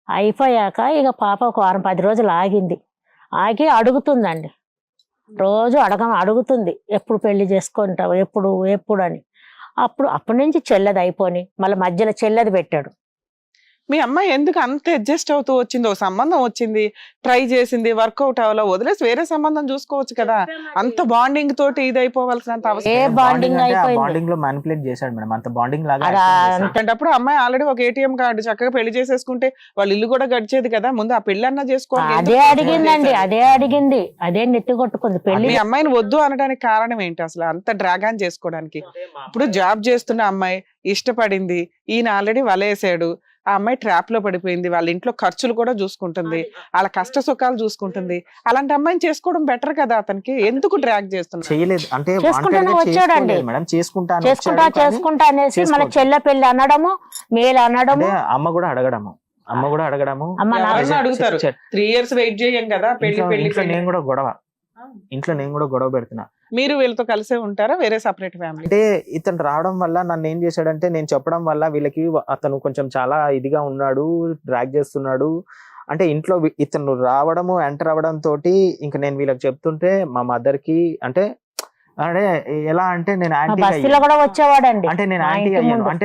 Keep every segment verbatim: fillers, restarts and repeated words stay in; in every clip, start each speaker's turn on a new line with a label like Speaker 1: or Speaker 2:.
Speaker 1: అయిపోయాక ఇక పాప ఒక వారం పది రోజులు ఆగింది. ఆగి అడుగుతుందండి, రోజు అడగ అడుగుతుంది ఎప్పుడు పెళ్లి చేసుకుంటావు, ఎప్పుడు ఎప్పుడు అని. అప్పుడు అప్పటి నుంచి చెల్లది అయిపోయి మళ్ళీ మధ్యలో చెల్లది పెట్టాడు.
Speaker 2: మీ అమ్మాయి ఎందుకు అంత అడ్జస్ట్ అవుతూ వచ్చింది? ఒక సంబంధం వచ్చింది, ట్రై చేసింది, వర్కౌట్ అవ్వాలో వదిలేసి వేరే సంబంధం చూసుకోవచ్చు కదా. అంత బాండింగ్ తోటి ఇది అయిపోవాల్సినంత
Speaker 1: ఏ
Speaker 2: అవసరం
Speaker 1: బాండింగ్ అయిపోయింది.
Speaker 3: బాండింగ్ లో మ్యానిపులేట్ చేశాడు మేడం, అంత బాండింగ్ లాగా
Speaker 1: అలా
Speaker 3: acting చేశాడు.
Speaker 2: అంటేటప్పుడు అమ్మాయి ఆల్రెడీ ఒక ఏటీఎం కార్డు చక్కగా పెళ్లి చేసేసుకుంటే వాళ్ళ ఇల్లు కూడా గడిచేది కదా. ముందు ఆ పెళ్లి అన్నా చేసుకోవాలి.
Speaker 1: అదే అడిగిందండి, అదే అడిగింది, అదే నెత్తి కొట్టుకుంది పెళ్లి.
Speaker 2: మీ అమ్మాయిని వద్దు అనడానికి కారణం ఏంటి అసలు అంత డ్రాగాన్ చేసుకోవడానికి? ఇప్పుడు జాబ్ చేస్తున్న అమ్మాయి ఇష్టపడింది, ఈయన ఆల్రెడీ వలేసాడు, ఆ అమ్మాయి ట్రాప్ లో పడిపోయింది, వాళ్ళ ఇంట్లో ఖర్చులు కూడా చూసుకుంటుంది, వాళ్ళ కష్ట సుఖాలు చూసుకుంటుంది. అలాంటి అమ్మాయిని చేసుకోవడం బెటర్ కదా. అతనికి ఎందుకు డ్రాగ్ చేస్తున్నా?
Speaker 3: చేయలేదు అంటే
Speaker 1: చేసుకుంటానే వచ్చాడండి.
Speaker 3: మేడం చేసుకుంటా
Speaker 1: చేసుకుంటా చేసుకుంటా అనేసి మన చెల్ల పెళ్లి అనడము, మేలు అనడము.
Speaker 3: అమ్మ కూడా అడగడము అమ్మ కూడా అడగడము
Speaker 1: అమ్మ నా-
Speaker 2: ఎవరన్నా అడుగుతారు, త్రీ ఇయర్స్ వెయిట్ చేయం కదా పెళ్లి
Speaker 3: ఇంట్లో-
Speaker 2: పెళ్లి
Speaker 3: ఇంట్లో
Speaker 2: పెళ్లి.
Speaker 3: నేను కూడా గొడవ ఇంట్లో నేను కూడా గొడవ పెడుతున్నా.
Speaker 2: మీరు వీళ్ళతో కలిసే ఉంటారా, వేరే సపరేట్ ఫ్యామిలీ?
Speaker 3: అంటే ఇతను రావడం వల్ల నన్ను ఏం చేశాడంటే, నేను చెప్పడం వల్ల వీళ్ళకి అతను కొంచెం చాలా ఇదిగా ఉన్నాడు, డ్రాగ్ చేస్తున్నాడు అంటే ఇంట్లో వి- ఇతను రావడము ఎంటర్ అవ్వడం తోటి ఇంకా నేను వీళ్ళకి చెప్తుంటే మా మదర్ కి అంటే అంటే ఎలా అంటే నేను
Speaker 1: మా
Speaker 3: యాంటీ
Speaker 1: బస్తీలో కూడా వచ్చేవాడండి.
Speaker 3: అంటే నేను
Speaker 1: మా
Speaker 3: యాంటీ
Speaker 1: ఇంటి
Speaker 3: అయ్యాను
Speaker 1: ముందు.
Speaker 3: అంటే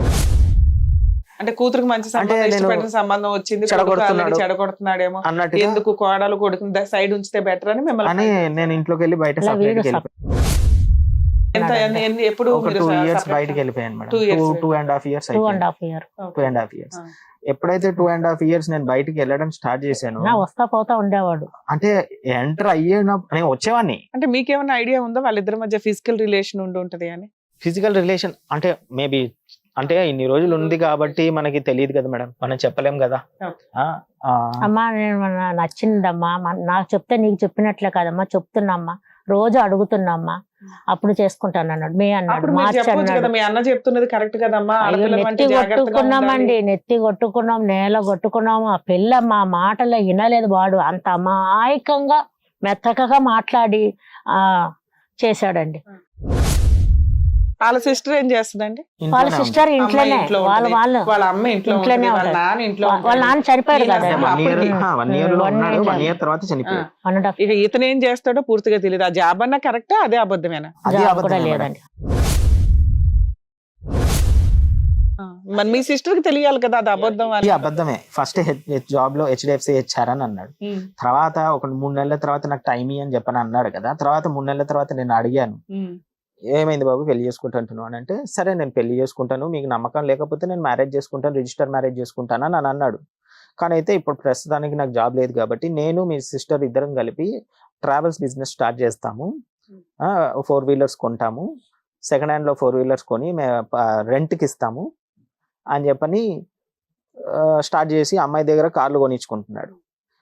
Speaker 2: అంటే కూతురికి మంచి సంబంధం,
Speaker 3: నేను
Speaker 2: ఇష్టపడిన సంబంధం వచ్చింది, కొడుకు
Speaker 3: చెడగొడుతున్నాడు.
Speaker 2: already చెడగొడుతున్నాడేమో,
Speaker 3: అన్నట్టుగా
Speaker 2: ఎందుకు కోడలు కొడుకుని సైడ్ ఉంచితే బెటర్ అని
Speaker 3: అని
Speaker 2: మిమ్మల్ని
Speaker 3: నేను ఇంట్లోకి వెళ్ళి బయట
Speaker 1: ఇలా
Speaker 3: separate
Speaker 1: వీడు
Speaker 3: కి వెళ్ళిపోయాను.
Speaker 2: ఎంత ఎన్ని- ఎన్ని- ఎప్పుడు
Speaker 3: ఒక
Speaker 2: మీరు
Speaker 3: టూ
Speaker 2: స-
Speaker 3: ఇయర్స్
Speaker 2: separate
Speaker 3: బయటకి
Speaker 2: గా?
Speaker 3: వెళ్ళిపోయాను madam.
Speaker 2: Two years
Speaker 3: two two and half years
Speaker 1: two and half year
Speaker 3: two and half years
Speaker 2: ఆ.
Speaker 3: ఎప్పుడైతే టూ అండ్ హాఫ్ ఇయర్స్ నేను బయటికి వెళ్ళడం స్టార్ట్ చేశాను,
Speaker 1: నా వస్తా పోతా ఉండేవాడు.
Speaker 3: అంటే ఎంటర్ అయ్యేటప్పుడు నేను వచ్చేవాడిని.
Speaker 2: అంటే మీకేమైనా ఐడియా ఉందా వాళ్ళిద్దరి మధ్య ఫిజికల్ రిలేషన్ ఉండి ఉంటది అని?
Speaker 3: ఫిజికల్ రిలేషన్ అంటే మేబీ అంటే ఇన్ని రోజులు ఉంది కాబట్టి మనకి తెలియదు కదా మేడం, మనం చెప్పలేం కదా.
Speaker 2: Okay.
Speaker 3: ఆ, ఆ,
Speaker 1: అమ్మా నేను నా- నచ్చిందమ్మా, మ- నాకు చెప్తే నీకు చెప్పినట్లే కదమ్మా, చెప్తున్నామ్మా, రోజు అడుగుతున్నామ్మా, అప్పుడు చేసుకుంటాను అన్నాడు. మే అన్నాడు,
Speaker 2: అప్పుడు మీరు
Speaker 1: మార్చి
Speaker 2: చెప్పొచ్చు
Speaker 1: అన్నాడు.
Speaker 2: కదా, మీ అన్న చెప్తున్నది కరెక్ట్ కదమ్మా,
Speaker 1: అయ్యో,
Speaker 2: ఆడపిల్లలు
Speaker 1: నెత్తి
Speaker 2: అంటే జాగ్రత్తగా
Speaker 1: కొట్టుకున్నామండి,
Speaker 2: ఉండాలి.
Speaker 1: నెత్తి కొట్టుకున్నాం, నేల కొట్టుకున్నాము. ఆ పిల్ల మా మాటలో వినలేదు. వాడు అంత అమాయకంగా మెత్తకగా మాట్లాడి ఆ చేశాడండి.
Speaker 2: వాళ్ళ సిస్టర్ ఏం చేస్తుందండి?
Speaker 1: వాళ్ళ
Speaker 3: ఇంట్లోనే
Speaker 1: సిస్టర్
Speaker 2: అమ్మాయి
Speaker 1: ఇంట్లోనే,
Speaker 2: ఇంట్లో
Speaker 1: వాళ్ళ
Speaker 2: ఉంటది,
Speaker 1: వాళ్ళు
Speaker 2: వాళ్ళ అమ్మ ఇంట్లో
Speaker 1: ఇంట్లోనే
Speaker 2: ఉంటది, వాళ్ళ
Speaker 1: ఉంటది.
Speaker 2: నాన్న ఇంట్లో
Speaker 1: వా- వాళ్ళ
Speaker 2: ఉంటాడు.
Speaker 1: నాన్న చనిపోయాడు
Speaker 2: ఈయన
Speaker 1: కదండి.
Speaker 3: వన్ ఇయర్
Speaker 2: అప్పటికి-
Speaker 3: వన్ ఇయర్ లో
Speaker 1: One
Speaker 3: ఉన్నాడు,
Speaker 1: year
Speaker 3: వన్ ఇయర్ తర్వాత చనిపోయాడు.
Speaker 1: వన్ అండ్ హాఫ్
Speaker 2: ఇక ఇతను ఏం చేస్తాడో పూర్తిగా తెలియదు. ఆ జాబ్ అన్నా కరెక్టా, అదే అబద్ధమేనా?
Speaker 3: అదే
Speaker 1: జాబ్
Speaker 3: అబద్ధం
Speaker 1: కూడా
Speaker 3: మేడం.
Speaker 1: లేదండి.
Speaker 2: ఆ, మరి మీ సిస్టర్ కి తెలియాలి కదా అది అబద్ధం
Speaker 3: ఇది
Speaker 2: అని.
Speaker 3: అబద్ధమే. ఫస్ట్ జాబ్ లో హెచ్డిఎఫ్సి హెచ్ఆర్ అని అన్నాడు.
Speaker 2: ఉమ్,
Speaker 3: తర్వాత ఒక మూడు నెలల తర్వాత నాకు టైం అని చెప్పని అన్నాడు కదా. తర్వాత మూడు నెలల తర్వాత నేను అడిగాను,
Speaker 2: ఉమ్,
Speaker 3: ఏమైంది బాబు పెళ్లి చేసుకుంటాను అని అంటే, సరే నేను పెళ్లి చేసుకుంటాను, మీకు నమ్మకం లేకపోతే నేను మ్యారేజ్ చేసుకుంటాను, రిజిస్టర్ మ్యారేజ్ చేసుకుంటాను అని అన్నాడు. కానీ అయితే ఇప్పుడు ప్రస్తుతానికి నాకు జాబ్ లేదు కాబట్టి నేను మీ సిస్టర్ ఇద్దరం కలిపి ట్రావెల్స్ బిజినెస్ స్టార్ట్ చేస్తాము, ఫోర్ వీలర్స్ కొంటాము, సెకండ్ హ్యాండ్ లో ఫోర్ వీలర్స్ కొని రెంట్కి ఇస్తాము అని చెప్పని స్టార్ట్ చేసి అమ్మాయి దగ్గర కార్లు కొనిచ్చుకుంటున్నాడు.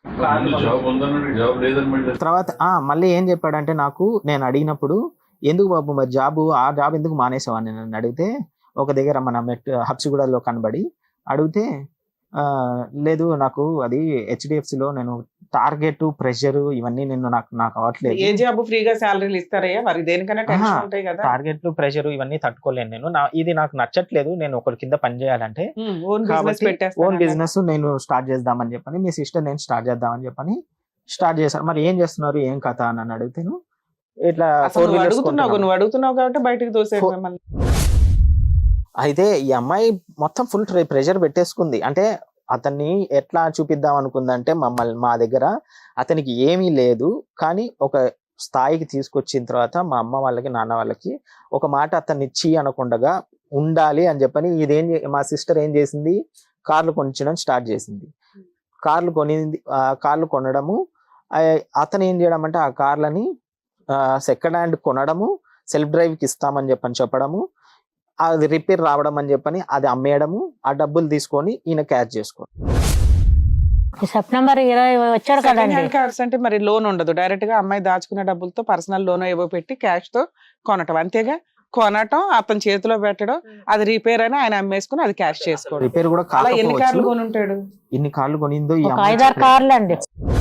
Speaker 3: తర్వాత ఆ మళ్ళీ ఏం చెప్పాడంటే, నాకు నేను అడిగినప్పుడు ఎందుకు బాబు మరి జాబు ఆ జాబ్ ఎందుకు మానేసావు అని నన్ను అడిగితే, ఒక దగ్గర మన మెట్ హబ్సిగూడలో కనబడి అడిగితే, ఆ లేదు నాకు అది హెచ్డిఎఫ్సిలో నేను టార్గెట్ ప్రెషర్ ఇవన్నీ నేను నాకు నాకు అవ్వట్లేదు,
Speaker 2: ఏ జాబ్ ఫ్రీగా శాలరీలు ఇస్తారయ్యా? మరి దేనికైనా టెన్షన్ ఉంటాయి కదా.
Speaker 3: టార్గెట్లు ప్రెషర్ ఇవన్నీ తట్టుకోలేను నేను, నా ఇది నాకు నచ్చట్లేదు, నేను ఒకరి కింద పని చేయాలంటే
Speaker 2: ఓన్ బిజినెస్
Speaker 3: కాబట్టి ఓన్
Speaker 2: పెట్టేస్తాను.
Speaker 3: బిజినెస్ నేను స్టార్ట్ చేద్దామని చెప్పని మీ సిస్టర్ నేను స్టార్ట్ చేద్దామని చెప్పని స్టార్ట్ చేశాను. మరి ఏం చేస్తున్నారు ఏం కథ అని నన్ను అడిగితేను, ఇట్లా
Speaker 2: అసలు
Speaker 3: ఫోర్
Speaker 2: నువ్వు
Speaker 3: వీలర్స్
Speaker 2: అడుగుతున్నావు నువ్వు అడుగుతున్నావు కాబట్టి బయటకు తోసేది
Speaker 3: Four-
Speaker 2: మిమ్మల్ని.
Speaker 3: అయితే ఈ అమ్మాయి మొత్తం ఫుల్ ప్రెషర్ పెట్టేసుకుంది. అంటే అతన్ని ఎట్లా చూపిద్దాం అనుకుందంటే, మమ్మల్ని మా దగ్గర అతనికి ఏమీ లేదు కానీ ఒక స్థాయికి తీసుకొచ్చిన తర్వాత మా అమ్మ వాళ్ళకి నాన్న వాళ్ళకి ఒక మాట అతన్ని ఇచ్చి అనకుండగా ఉండాలి అని చెప్పని ఇదేం చే- మా సిస్టర్ ఏం చేసింది, కార్లు కొనిచ్చడం స్టార్ట్ చేసింది. కార్లు కొనింది, ఆ కార్లు కొనడము, ఆ- అతను ఏం చేయడం అంటే ఆ కార్లని సెకండ్ హ్యాండ్ కొనడము, సెల్ఫ్ డ్రైవ్కి ఇస్తామని చెప్పని చెప్పడము, అది రిపేర్ రావడం అని చెప్పని అది అమ్మేయడము, ఆ డబ్బులు తీసుకొని ఈయన క్యాచ్ చేసుకోవడం.
Speaker 1: ఈ సెప్టెంబర్ ఇరవై వచ్చాడు
Speaker 2: సెకండ్
Speaker 1: కదండి.
Speaker 2: హ్యాండ్ కార్స్ అంటే మరి లోన్ ఉండదు, డైరెక్ట్ గా అమ్మాయి దాచుకున్న డబ్బులతో పర్సనల్ లోన్ ఏవో పెట్టి క్యాష్ తో కొనటం, అంతేగా? కొనటం, అతని చేతిలో పెట్టడం, అది రిపేర్ అయినా ఆయన అమ్మేసుకుని అది క్యాష్ చేసుకోవడం.
Speaker 3: రిపేర్ కూడా
Speaker 2: అలా ఎన్ని కార్లు
Speaker 3: కాకపోవచ్చు,
Speaker 2: కొని ఉంటాడు?
Speaker 3: ఇన్ని కార్లు కొనిందో ఈ
Speaker 1: ఒక
Speaker 3: అమ్మాయి
Speaker 1: ఐదారు
Speaker 3: చెప్పలేదు.
Speaker 1: కార్లు అండి.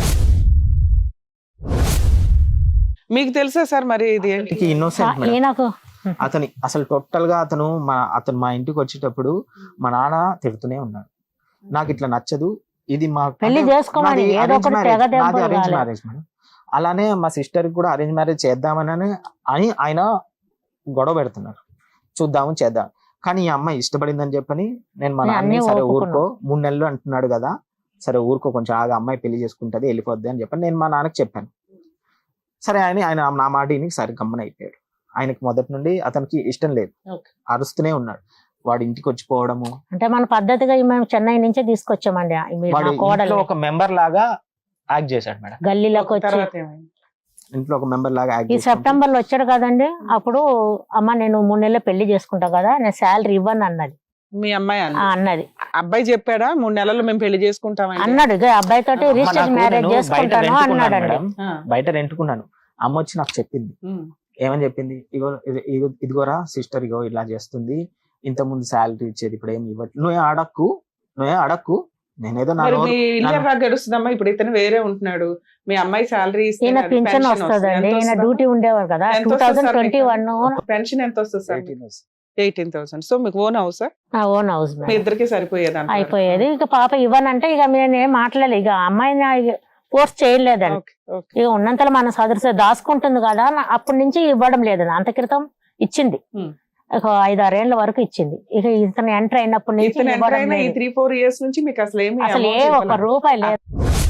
Speaker 2: మీకు తెలుసా సార్ మరి ఇది ఏంటి?
Speaker 3: ఈయనకి innocent మేడం.
Speaker 1: ఈయనకు
Speaker 3: అతని అసలు టోటల్ గా అతను మా అతను మా ఇంటికి వచ్చేటప్పుడు మా నాన్న తిడుతూనే ఉన్నాడు, నాకు ఇట్లా నచ్చదు, ఇది మా
Speaker 1: పెళ్లి చేసుకోమని ఏదో ఒకటి తెగ దెబ్బలు
Speaker 3: అరేంజ్
Speaker 1: కాలేదు.
Speaker 3: Marriage madam. అలానే మా సిస్టర్ కూడా అరేంజ్ మ్యారేజ్ చేద్దామని అని ఆయన గొడవ పెడుతున్నారు, చూద్దాము చేద్దాం. కానీ ఈ అమ్మాయి ఇష్టపడిందని చెప్పని నేను మా
Speaker 1: నేను
Speaker 3: నాన్న
Speaker 1: అన్నీ
Speaker 3: సరే
Speaker 1: ఒప్పుకున్నా.
Speaker 3: ఊరుకో, మూడు నెలలు అంటున్నాడు కదా, సరే ఊరుకో కొంచెం ఆగా, అమ్మాయి పెళ్లి చేసుకుంటది వెళ్ళిపోద్ది అని చెప్పని నేను మా నాన్నకి చెప్పాను. సరే అని ఆయన నా మాట విని సరే గమ్మన అయిపోయాడు. ఆయనకి మొదటి నుండి అతనికి ఇష్టం లేదు,
Speaker 2: Okay.
Speaker 3: అరుస్తూనే ఉన్నాడు. వాడి ఇంటికి వచ్చిపోవడము,
Speaker 1: అంటే మన పద్ధతిగా మేము చెన్నై నుంచే తీసుకొచ్చామండి ఆ- మీరు
Speaker 3: వాడు
Speaker 1: నా కోడలు
Speaker 3: ఇంట్లో ఒక మెంబర్ లాగా యాక్ట్ చేశాడు మేడం.
Speaker 1: గల్లీలోకి వచ్చి
Speaker 2: తర్వాత ఏమైంది?
Speaker 3: ఇంట్లో ఒక మెంబర్ లాగా యాక్ట్
Speaker 1: ఈ
Speaker 3: చేశాడు.
Speaker 1: సెప్టెంబర్ లో వచ్చాడు కదండి, అప్పుడు అమ్మ నేను మూడు నెలలు పెళ్లి చేసుకుంటా కదా, నేను శాలరీ ఇవ్వను అన్నది.
Speaker 2: మీ అమ్మాయి
Speaker 1: ఆ,
Speaker 2: అన్న
Speaker 1: అన్నది
Speaker 2: అబ్బాయి చెప్పాడా మూడు నెలలు మేము పెళ్లి చేసుకుంటామని?
Speaker 1: అన్నాడు ఇక అబ్బాయి తోటి
Speaker 3: అమ్మ,
Speaker 1: రిజిస్టర్
Speaker 3: నాకు
Speaker 1: మ్యారేజ్
Speaker 3: నేను బయట
Speaker 1: చేసుకుంటాను
Speaker 3: రెంటుకున్నాను
Speaker 1: అన్నాడండి.
Speaker 3: మేడం,
Speaker 2: ఆ,
Speaker 3: బయట రెంటుకున్నాను. అమ్మ వచ్చి నాకు చెప్పింది,
Speaker 2: ఉమ్,
Speaker 3: ఏమని చెప్పింది, ఇగో ఇది- ఇగో- ఇదిగోరా సిస్టర్, ఇగో ఇలా చేస్తుంది, ఇంత ముందు శాలరీ ఇచ్చేది ఇప్పుడు ఏమి ఇవ్వట్లేదు, నువ్వే అడక్కు నువ్వే అడక్కు, నేనేదో నా
Speaker 2: మరి
Speaker 3: నోరు-
Speaker 2: మీ ఇల్లు
Speaker 3: నా-
Speaker 2: ఎలా గడుస్తుందమ్మా? ఇప్పుడు ఇతను వేరే ఉంటున్నాడు, మీ అమ్మాయి శాలరీ
Speaker 1: ఈయన పింఛన్ వస్తుందండి, ఈయన డ్యూటీ ఉండేవారు కదా
Speaker 2: ఎంత
Speaker 1: టూ
Speaker 2: వస్తుంది
Speaker 1: థౌజండ్
Speaker 2: సార్
Speaker 1: ట్వంటీ
Speaker 2: మీకు?
Speaker 1: వన్
Speaker 2: పెన్షన్ ఎంత వస్తుంది సార్? Eighteen thousand. సో మీకు ఓన్ హౌస్
Speaker 1: నా ఓన్ హౌస్
Speaker 2: మీ ఇద్దరికి సరిపోయేది అంటారు?
Speaker 1: అయిపోయేది. ఇక పాప ఇవ్వనంటే ఇక నేను ఏం మాట్లాడలేదు, ఇక అమ్మాయిని ఫోర్స్ చేయలేదండి.
Speaker 2: Okay, okay.
Speaker 1: ఇక ఉన్నంతలో మన సదృశ దాచుకుంటుంది కదా, నా- అప్పటి నుంచి ఇవ్వడం లేదు. అంత క్రితం ఇచ్చింది,
Speaker 2: Hmm.
Speaker 1: ఒక ఐదు ఆరేళ్ల వరకు ఇచ్చింది. ఇక ఇతను ఎంటర్ అయినప్పటి నుంచి
Speaker 2: ఇతను ఎంటర్
Speaker 1: ఇవ్వడం
Speaker 2: అయిన ఈ
Speaker 1: లేదు.
Speaker 2: త్రీ ఫోర్ ఇయర్స్ నుంచి మీకు అసలు ఏమి
Speaker 1: అసలు ఏ
Speaker 2: amount
Speaker 1: ఒక్క
Speaker 2: ఇవ్వలేదు.
Speaker 1: రూపాయి లేదు.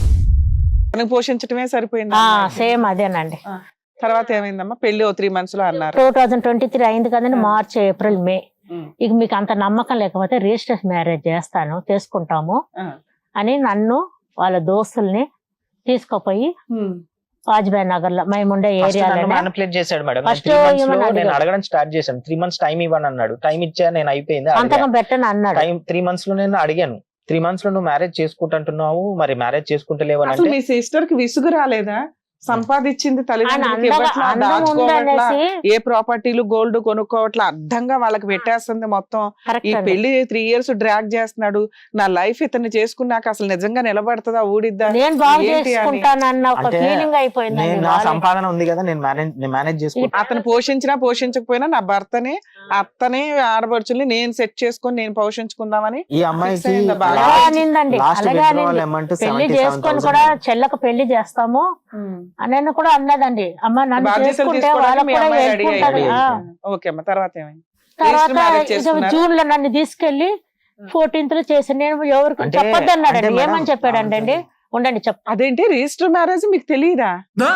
Speaker 2: తనకు పోషించడమే సరిపోయింది
Speaker 1: ఆ
Speaker 2: అమ్మాయికి.
Speaker 1: సేమ్ అదేనండి.
Speaker 2: తర్వాత ఏమైందమ్మా? పెళ్లి ఓ త్రీ మంత్స్ లో అన్నారు.
Speaker 1: టూ థౌజండ్ ట్వంటీ త్రీ అయింది కదండి,
Speaker 2: ఆ.
Speaker 1: March April May.
Speaker 2: ఉమ్,
Speaker 1: ఇక మీకు అంత నమ్మకం లేకపోతే రిజిస్టర్ మ్యారేజ్ చేస్తాను చేసుకుంటాము
Speaker 2: ఆ,
Speaker 1: అని నన్ను వాళ్ళ దోస్తుల్ని తీసుకుపోయి
Speaker 2: ఉమ్,
Speaker 1: వాజ్పేయి నగర్ లో మేము ఉండే
Speaker 3: First నన్ను
Speaker 1: ఏరియాలో
Speaker 3: manipulate చేశాడు మేడం.
Speaker 1: First
Speaker 3: త్రీ మంత్స్
Speaker 1: ఏమని
Speaker 3: లో నేను
Speaker 1: అడిగాడు?
Speaker 3: అడగడం స్టార్ట్ చేశాను. త్రీ మంత్స్ టైం ఇవ్వను అన్నాడు. టైం ఇచ్చా, నేను అయిపోయింది
Speaker 1: సంతకం పెట్టని అన్నాడు.
Speaker 3: టైం త్రీ మంత్స్ లో నేను అడిగాను, త్రీ మంత్స్ లో నువ్వు మ్యారేజ్ చేసుకుంటున్నావు, మరి మ్యారేజ్ చేసుకుంటలేవు అని
Speaker 2: అసలు
Speaker 3: అంటే
Speaker 2: మీ సిస్టర్ కి విసుగు రాలేదా? సంపాదించింది
Speaker 1: ఆయన
Speaker 2: తల్లిదండ్రులకి
Speaker 1: అందగా
Speaker 2: ఇవ్వట్లా,
Speaker 1: అందం
Speaker 2: దాచుకోవట్లా,
Speaker 1: ఉందనేసి
Speaker 2: ఏ ప్రాపర్టీలు గోల్డ్ కొనుక్కోవట్లా, అడ్డంగా వాళ్ళకి పెట్టేస్తుంది మొత్తం. ఈ
Speaker 1: కరెక్ట్ అండి.
Speaker 2: పెళ్లి త్రీ ఇయర్స్ డ్రాగ్ చేస్తున్నాడు. నా లైఫ్ ఇతన్ని చేసుకున్నాక అసలు నిజంగా నిలబడుతుందా ఊడిద్దా?
Speaker 1: నేను బాగు
Speaker 2: ఏంటి అని?
Speaker 1: చేసుకుంటానన్న ఒక
Speaker 3: అంటే
Speaker 1: ఫీలింగ్ అయిపోయింది.
Speaker 3: నేను నా సంపాదన ఉంది కదా, నేను మేనేజ్ నేను మేనేజ్ చేసుకుంటా.
Speaker 2: అతను పోషించినా పోషించకపోయినా నా భర్తని అత్తని ఆడబడుచుల్ని నేను సెట్ చేసుకొని నేను పోషించుకుందామని
Speaker 3: ఈ అమ్మాయికి
Speaker 2: Fix అయిందా బాగా?
Speaker 1: అలాగే అనిందండి,
Speaker 3: లాస్ట్
Speaker 1: అలాగే
Speaker 3: విత్డ్రావల్
Speaker 1: అనింది.
Speaker 3: అమౌంట్
Speaker 1: పెళ్లి చేసుకొని కూడా చెల్లకు పెళ్లి చేస్తాము అని కూడా అన్నదండి. అమ్మ నన్ను
Speaker 2: బాధ్యతలు
Speaker 1: చేసుకుంటే
Speaker 2: తీసుకోవడానికి
Speaker 1: వాళ్ళకు
Speaker 2: మీ
Speaker 1: కూడా
Speaker 2: అమ్మాయి
Speaker 1: help
Speaker 2: రెడీ
Speaker 1: ఉంటది. ఆ.
Speaker 2: ఓకే అమ్మ. తర్వాత ఏమైంది?
Speaker 1: తర్వాత
Speaker 2: Register marriage
Speaker 1: ఇక
Speaker 2: చేసుకున్నారా?
Speaker 1: జూన్ లో నన్ను తీసుకెళ్లి ఫోర్టీన్త్ లో చేసి నేను ఎవరికి
Speaker 3: అంటే-
Speaker 1: చెప్పొద్దు అన్నాడండి.
Speaker 3: అంటే మేడం,
Speaker 1: ఏమని చెప్పాడండి అండి? ఉండండి చెప్
Speaker 2: అదేంటి రిజిస్టర్ మ్యారేజ్ మీకు తెలియదా?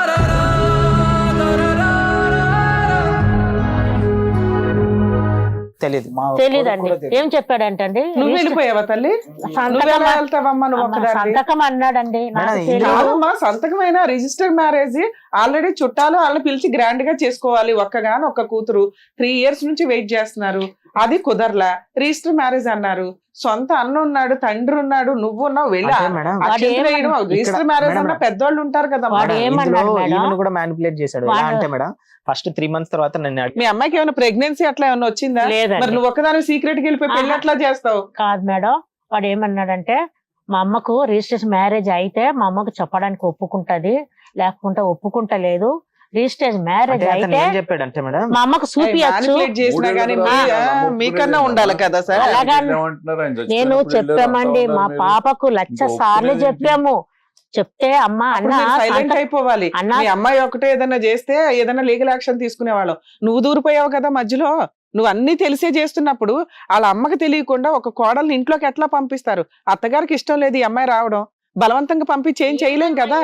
Speaker 3: తెలియదు.
Speaker 1: తెలీదండి. ఏం చెప్పాడంటే అండి,
Speaker 2: నువ్వు వెళ్ళిపోయావా తల్లి? నువ్వు
Speaker 1: సంతకం
Speaker 2: ఎలా వెళ్తావమ్మా నువ్వు
Speaker 1: అమ్మ,
Speaker 2: ఒక్కదాన్ని?
Speaker 1: సంతకం అన్నాడండి. నాకు
Speaker 3: మేడం,
Speaker 1: తెలీదు.
Speaker 2: కాదమ్మా, సంతకమైన రిజిస్టర్ మ్యారేజ్ ఆల్రెడీ చుట్టాలు వాళ్ళని పిలిచి గ్రాండ్ గా చేసుకోవాలి. ఒక్కగాని ఒక్క కూతురు త్రీ ఇయర్స్ నుంచి వెయిట్ చేస్తున్నారు, అది కుదరలా. రిజిస్టర్ మ్యారేజ్ అన్నారు. సొంత అన్న ఉన్నాడు, తండ్రి ఉన్నాడు, నువ్వు ఉన్నావు, వెళ్ళి
Speaker 3: అంటే మేడం,
Speaker 1: వాడు ఏమన్నా-
Speaker 2: రిజిస్టర్ మ్యారేజ్ అన్న
Speaker 3: మేడం,
Speaker 2: పెద్దోళ్ళు ఉంటారు కదా.
Speaker 1: వాడు
Speaker 3: మేడం,
Speaker 1: ఏమన్నాడు
Speaker 3: ఇందులో
Speaker 1: మేడం?
Speaker 3: ఈమెను కూడా మ్యానిపులేట్ చేశాడు. ఎలా
Speaker 1: వాడు-
Speaker 3: అంటే మేడం, ఫస్ట్ త్రీ మంత్స్ తర్వాత నన్ను అడిగి-
Speaker 2: మీ అమ్మాయికి ఏమైనా ప్రెగ్నెన్సీ అట్లా ఏమైనా వచ్చిందా?
Speaker 1: లేదండి.
Speaker 2: మరి నువ్వు ఒక్కదాని సీక్రెట్ కి వెళ్ళిపోయి పెళ్లి
Speaker 1: ఆహా.
Speaker 2: ఎట్లా చేస్తావు?
Speaker 1: కాదు మేడం, వాడు ఏమన్నాడంటే మా అమ్మకు రిజిస్ట్రేషన్ మ్యారేజ్ అయితే మా అమ్మకు చెప్పడానికి ఒప్పుకుంటది, లేకుంటే ఒప్పుకుంటలేదు. రిజిస్ట్రేషన్ మ్యారేజ్
Speaker 3: అంటే అతను
Speaker 1: అయితే
Speaker 3: ఏం చెప్పాడంటే మేడం,
Speaker 1: మా అమ్మకు చూపియచ్చు.
Speaker 2: Manipulate చేసినా గానీ మీ- ఆ, మీకన్నా ఉండాలి కదా సార్.
Speaker 1: అలాగా నేను చెప్పామండి, మా పాపకు లక్ష సార్లు చెప్పాము. చెప్తే అమ్మ అన్న
Speaker 2: సైలెంట్
Speaker 1: సంత-
Speaker 2: అయిపోవాలి.
Speaker 1: అన్న-
Speaker 2: మీ అమ్మాయి ఒకటే ఏదైనా చేస్తే ఏదైనా లీగల్ యాక్షన్ తీసుకునేవాళ్ళం. నువ్వు దూరిపోయావు కదా మధ్యలో. నువ్వు అన్ని తెలిసే చేస్తున్నప్పుడు వాళ్ళ అమ్మకి తెలియకుండా ఒక కోడల్ని ఇంట్లోకి ఎట్లా పంపిస్తారు? అత్తగారికి ఇష్టం లేదు ఈ అమ్మాయి రావడం, బలవంతంగా పంపించి ఏం చేయలేం కదా.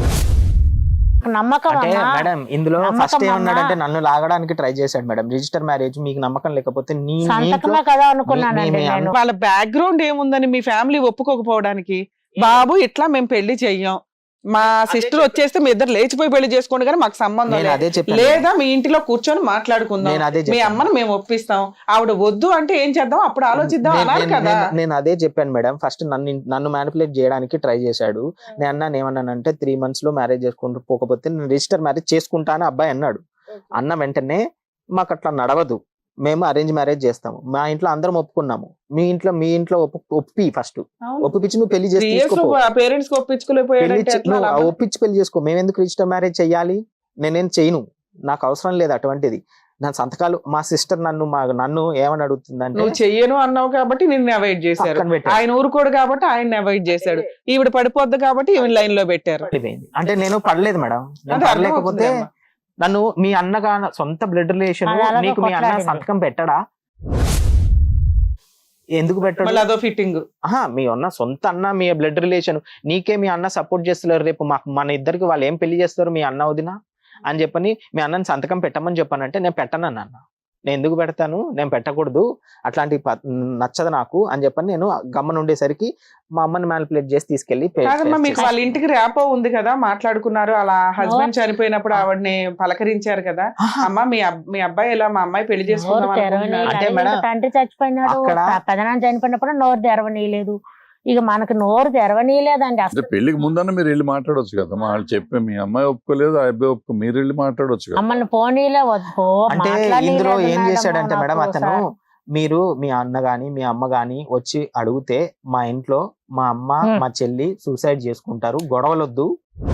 Speaker 1: నమ్మకం
Speaker 3: అంటే
Speaker 1: అమ్మా.
Speaker 3: మేడం ఇందులో
Speaker 1: నమ్మకం
Speaker 3: ఫస్ట్
Speaker 1: అమ్మా.
Speaker 3: ఏమన్నాడంటే నన్ను లాగడానికి ట్రై చేశాడు మేడం. రిజిస్టర్ మ్యారేజ్ మీకు నమ్మకం లేకపోతే నీ మీ
Speaker 1: సంతకమే
Speaker 3: ఇంట్లో
Speaker 1: కదా అనుకున్నానండి
Speaker 3: మీ- మీ
Speaker 1: నేను.
Speaker 2: వాళ్ళ బ్యాక్గ్రౌండ్ ఏముందని మీ ఫ్యామిలీ ఒప్పుకోకపోవడానికి? బాబు ఇట్లా మేము పెళ్లి చెయ్యం, మా సిస్టర్ వచ్చేస్తే మీ ఇద్దరు లేచిపోయి పెళ్లి చేసుకోండి కానీ మాకు సంబంధం
Speaker 3: నేను
Speaker 2: లేదు.
Speaker 3: అదే చెప్పాను.
Speaker 2: లేదా మీ ఇంటిలో కూర్చొని మాట్లాడుకుందాం,
Speaker 3: నేను అదే
Speaker 2: మీ
Speaker 3: చెప్పాను.
Speaker 2: అమ్మను మేము ఒప్పిస్తాం, ఆవిడ వద్దు అంటే ఏం చేద్దాం అప్పుడు ఆలోచిద్దాం
Speaker 3: నేను-
Speaker 2: అన్నారు
Speaker 3: నేను-
Speaker 2: కదా.
Speaker 3: నేను- నేను అదే చెప్పాను మేడం. ఫస్ట్ నన్ను నన్ను మ్యానిపులేట్ చేయడానికి ట్రై చేశాడు. నేను అన్నాను ఏమన్నానంటే త్రీ మంత్స్ లో మ్యారేజ్ చేసుకుంటూ పోకపోతే నేను రిజిస్టర్ మ్యారేజ్ చేసుకుంటా అని అబ్బాయి అన్నాడు. అన్న వెంటనే మాకు అట్లా నడవదు, మేము అరేంజ్ మ్యారేజ్ చేస్తాము, మా ఇంట్లో అందరం ఒప్పుకున్నాము, మీ ఇంట్లో మీ ఇంట్లో ఒప్పు ఒప్పి ఫస్ట్ ఒప్పించి నువ్వు పెళ్లి చేసి తీసుకోపో.
Speaker 2: పేరెంట్స్
Speaker 3: పెళ్లి
Speaker 2: ఒప్పించుకోలేకపోయాడంటే
Speaker 3: చే-
Speaker 2: ఎట్లా
Speaker 3: నువ్వు
Speaker 2: లాభం?
Speaker 3: ఒప్పించి పెళ్లి చేసుకో, మేము ఎందుకు రిజిస్టర్ మ్యారేజ్ చెయ్యాలి, నేనేం చేయను, నాకు అవసరం లేదు అటువంటిది. నా సంతకాలు మా సిస్టర్ నన్ను మా నన్ను ఏమని అడుగుతుందంటే
Speaker 2: నువ్వు చెయ్యను అన్నావు కాబట్టి నిన్ను అవాయిడ్ చేశారు,
Speaker 3: పక్కన పెట్టారు.
Speaker 2: ఆయన ఊరుకోడు కాబట్టి ఆయన అవాయిడ్ చేశాడు, ఈవిడ పడిపోద్ది కాబట్టి ఈవిడ లైన్ లో పెట్టారు.
Speaker 3: పడిపోయింది. అంటే నేను పడలేదు మేడం, నేను
Speaker 2: అదే
Speaker 3: పడలేకపోతే
Speaker 2: అర్థమవుతుంది
Speaker 3: నన్ను మీ అన్నగా సొంత బ్లడ్ రిలేషన్
Speaker 1: అది అలాగే
Speaker 3: నీకు మీ అన్న
Speaker 1: కొట్లాడింది.
Speaker 3: సంతకం పెట్టడా, ఎందుకు పెట్టడు?
Speaker 2: మళ్ళీ అదో ఫిట్టింగ్.
Speaker 3: ఆహా, మీ అన్న సొంత అన్న, మీ బ్లడ్ రిలేషన్, నీకే మీ అన్న సపోర్ట్ చేస్తున్నారు, రేపు మాకు మన ఇద్దరికి వాళ్ళు ఏం పెళ్లి చేస్తారు మీ అన్న వదిన అని చెప్పని మీ అన్నని సంతకం పెట్టమని చెప్పానంటే నేను పెట్టను అన్న, నేను ఎందుకు పెడతాను, నేను పెట్టకూడదు, అట్లాంటి ప- నచ్చదు నాకు అని చెప్పని నేను గమ్మన ఉండేసరికి మా అమ్మని మ్యానిపులేట్ చేసి తీసుకెళ్లి పే-
Speaker 2: కాదమ్మా, మీకు
Speaker 3: చేసి-
Speaker 2: వాళ్ళ ఇంటికి ర్యాపో ఉంది కదా, మాట్లాడుకున్నారు, అలా హస్బెండ్ చనిపోయినప్పుడు ఆవిడని పలకరించారు కదా,
Speaker 3: ఆహా,
Speaker 2: అమ్మ మీ అబ్- మీ అబ్బాయి ఇలా మా అమ్మాయి పెళ్లి
Speaker 1: నోరు
Speaker 2: చేసుకుందాం
Speaker 1: తెరవని
Speaker 2: అనుకుంటున్నారు.
Speaker 3: అంటే మేడం,
Speaker 1: తండ్రి చచ్చిపోయినాడు,
Speaker 3: అక్కడ-
Speaker 1: పెదనాన్న చనిపోయినప్పుడు నోరు తెరవనీయలేదు. ఇక మనకు నోరు తెరవనీయలేదండి
Speaker 4: అంటే
Speaker 1: అసలు.
Speaker 4: పెళ్లికి ముందన్న మీరు వెళ్ళి మాట్లాడొచ్చు కదా, వాళ్ళు చెప్పి మీ అమ్మాయి ఒప్పుకోలేదు, ఆ అబ్బాయి ఒప్పుకో, మీరు వెళ్ళి మాట్లాడొచ్చు కదా.
Speaker 1: మమ్మల్ని పోనీలే వద్దు
Speaker 3: అంటే
Speaker 1: మాట్లాడనీయలేదు
Speaker 3: ఇందులో ఏం
Speaker 1: మేడం
Speaker 3: చేశాడంటే మేడం
Speaker 1: నాకు
Speaker 3: అతను,
Speaker 1: సార్.
Speaker 3: మీరు మీ అన్న గాని మీ అమ్మ గాని వచ్చి అడిగితే మా ఇంట్లో మా అమ్మ
Speaker 1: హ్మ్.
Speaker 3: మా చెల్లి సూసైడ్ చేసుకుంటారు, గొడవలొద్దు.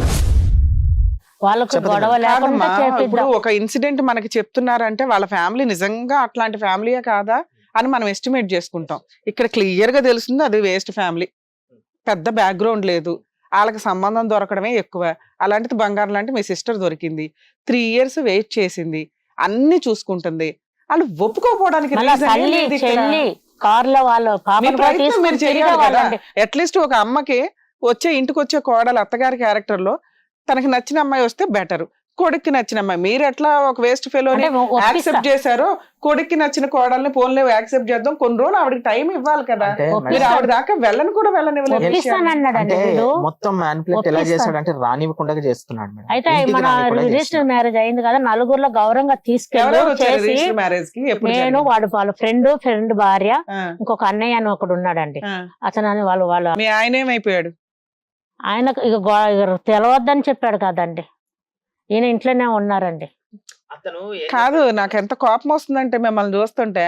Speaker 1: వాళ్ళకు
Speaker 3: చెప్పదు
Speaker 1: గొడవ
Speaker 3: మేడం.
Speaker 1: లేకుండా
Speaker 2: కాదమ్మా, ఇప్పుడు
Speaker 1: చేపిద్దాం.
Speaker 2: ఒక ఇన్సిడెంట్ మనకి చెప్తున్నారంటే వాళ్ళ ఫ్యామిలీ నిజంగా అట్లాంటి ఫ్యామిలీయే కాదా అని మనం ఎస్టిమేట్ చేసుకుంటాం. ఇక్కడ క్లియర్ గా తెలుస్తుంది అది వేస్ట్ ఫ్యామిలీ, పెద్ద బ్యాక్గ్రౌండ్ లేదు, వాళ్ళకి సంబంధం దొరకడమే ఎక్కువ. అలాంటిది బంగారం లాంటి మీ సిస్టర్ దొరికింది, త్రీ ఇయర్స్ వెయిట్ చేసింది, అన్ని చూసుకుంటుంది, వాళ్ళు ఒప్పుకోపోవడానికి
Speaker 1: మళ్ళా
Speaker 2: reason ఏం
Speaker 1: తల్లి
Speaker 2: లేదు ఇక్కడ.
Speaker 1: చెల్లి కార్లో వాళ్ళు
Speaker 2: మీ
Speaker 1: పాపను కూడా
Speaker 2: ప్రయత్నం మీరు
Speaker 1: తీసుకుని
Speaker 2: చేయాలి కదా.
Speaker 1: తిరిగేవాళ్ళండి.
Speaker 2: అట్లీస్ట్ ఒక అమ్మకి వచ్చే ఇంటికి వచ్చే కోడలు అత్తగారి క్యారెక్టర్ లో తనకి నచ్చిన అమ్మాయి వస్తే బెటర్, కొడుక్కి నచ్చిన అమ్మాయి. మీరు ఎట్లా ఒక వేస్ట్ ఫెలో
Speaker 1: అంటే ఒప్పిస్తా.
Speaker 2: యాక్సెప్ట్ చేశారో, కొడుక్కి నచ్చిన కోడల్ని ఫోన్లో యాక్సెప్ట్ చేద్దాం, కొన్ని రోజులు ఆవిడకి టైం ఇవ్వాలి కదా.
Speaker 3: అంటే
Speaker 1: ఒప్పిస్తా.
Speaker 2: మీరు ఆవిడ దాకా వెళ్ళని కూడా వెళ్ళనివ్వలేదు.
Speaker 1: ఒప్పిస్తానన్నాడండి
Speaker 3: అంటే
Speaker 1: వీడు.
Speaker 3: మొత్తం మ్యానిపులేట్ ఎలా
Speaker 1: ఒప్పిస్తాను.
Speaker 3: చేశాడంటే రానివ్వకుండా చేస్తున్నాడు మేడం.
Speaker 1: అయితే
Speaker 3: ఇంటికి
Speaker 1: మన
Speaker 3: రానివ్వకుండా
Speaker 1: రిజిస్టర్
Speaker 3: చేస్తున్నాడు.
Speaker 1: మ్యారేజ్ అయింది కదా, నలుగురిలో గౌరవంగా తీసుకెళ్ళి
Speaker 2: ఎవరెవరు వచ్చారు
Speaker 1: చేసి
Speaker 2: రిజిస్టర్ మ్యారేజ్ కి? ఎప్పుడు
Speaker 1: నేను
Speaker 2: జరిగింది?
Speaker 1: వాడు వాళ్ళ ఫ్రెండ్ ఫ్రెండ్ భార్య
Speaker 2: ఆ,
Speaker 1: ఇంకొక అన్నయ్య అని ఒకడు ఉన్నాడండి.
Speaker 2: ఆ.
Speaker 1: అతను అని వాళ్ళు వాళ్ళు
Speaker 2: మీ ఆయన ఏమైపోయాడు?
Speaker 1: ఆయనకు ఇక గో- ఇక తెలవద్దని చెప్పాడు కదండి, ఈయన ఇంట్లోనే ఉన్నారండి.
Speaker 3: అతను ఏం
Speaker 2: కాదు, నాకు ఎంత కోపం వస్తుందంటే మిమ్మల్ని చూస్తుంటే,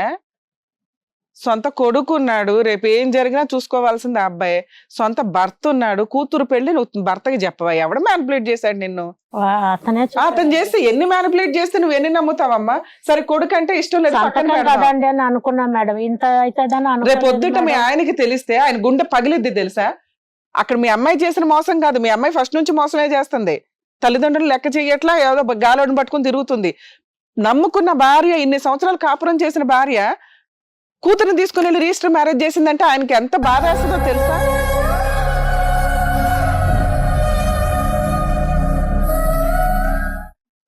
Speaker 2: సొంత కొడుకు ఉన్నాడు, రేపు ఏం జరిగినా చూసుకోవాల్సింది ఆ అబ్బాయి, సొంత భర్త ఉన్నాడు, కూతురు పెళ్లి నువ్వు భర్తకి చెప్పవా? ఎవడ మ్యానిపులేట్ చేశాడు నిన్ను?
Speaker 1: వా- అతనే
Speaker 2: ఆ,
Speaker 1: చెప్పాడు.
Speaker 2: అతను చేస్తే ఎన్ని మ్యానిపులేట్ చేస్తే నువ్వు ఎన్ని నమ్ముతావమ్మా? సరే కొడుకు అంటే ఇష్టం లేదు, పక్కన
Speaker 1: సంతకం
Speaker 2: పెడదాం.
Speaker 1: కదండి అని అనుకున్నాం మేడం, ఇంత అవుతుందని
Speaker 2: రేపు పొద్దుట మీ
Speaker 1: అనుకున్నాం.
Speaker 2: ఆయనకి తెలిస్తే ఆయన గుండె పగిలిద్ది తెలుసా? అక్కడ మీ అమ్మాయి చేసిన మోసం కాదు, మీ అమ్మాయి ఫస్ట్ నుంచి మోసమే చేస్తుంది, తల్లిదండ్రులు లెక్క చెయ్యట్లా, ఏదో గాలోడిని పట్టుకుని తిరుగుతుంది. నమ్ముకున్న భార్య, ఇన్ని సంవత్సరాలు కాపురం చేసిన భార్య కూతురుని తీసుకుని వెళ్ళి రిజిస్టర్ మ్యారేజ్ చేసిందంటే ఆయనకి ఎంత బాధ వేస్తుందో తెలుసా?